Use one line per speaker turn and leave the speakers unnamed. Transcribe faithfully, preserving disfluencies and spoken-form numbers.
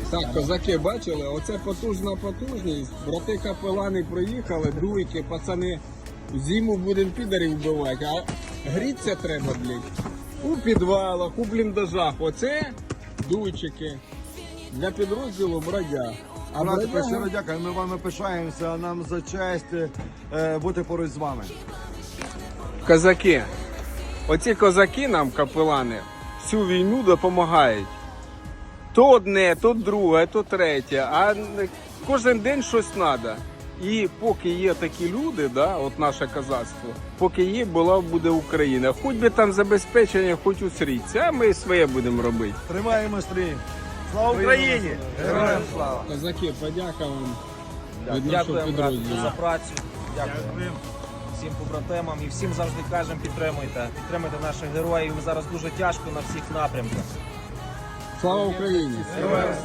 Так, козаки бачили, оце потужна потужність. Брати капелани приїхали, дуйки, пацани, зиму будемо підарів вбивати, а гріться треба, блядь, у підвалах, у бліндажах. Оце дуйчики для підрозділу бродяг. А
Брати,
бродяги-
щиро дякую, ми вами пишаємося, нам за честь е, бути поруч з вами.
Козаки. Оці козаки нам, капелани, всю війну допомагають. То одне, то друге, то третє, а кожен день щось треба. І поки є такі люди, да, от наше козацтво, поки є, була буде Україна. Хоч би там забезпечення, хоч у сріці, а ми своє будемо робити.
Тримаємо стрій.
Слава Україні!
Героям слава!
Козаки, подяка вам від нашого
Дякуємо, брат,
підрозділу.
за працю. Дякую всім побратимам і всім завжди кажемо, підтримуйте. Підтримуйте наших героїв. Зараз дуже тяжко на всіх напрямках.
Слава Україні!
Героям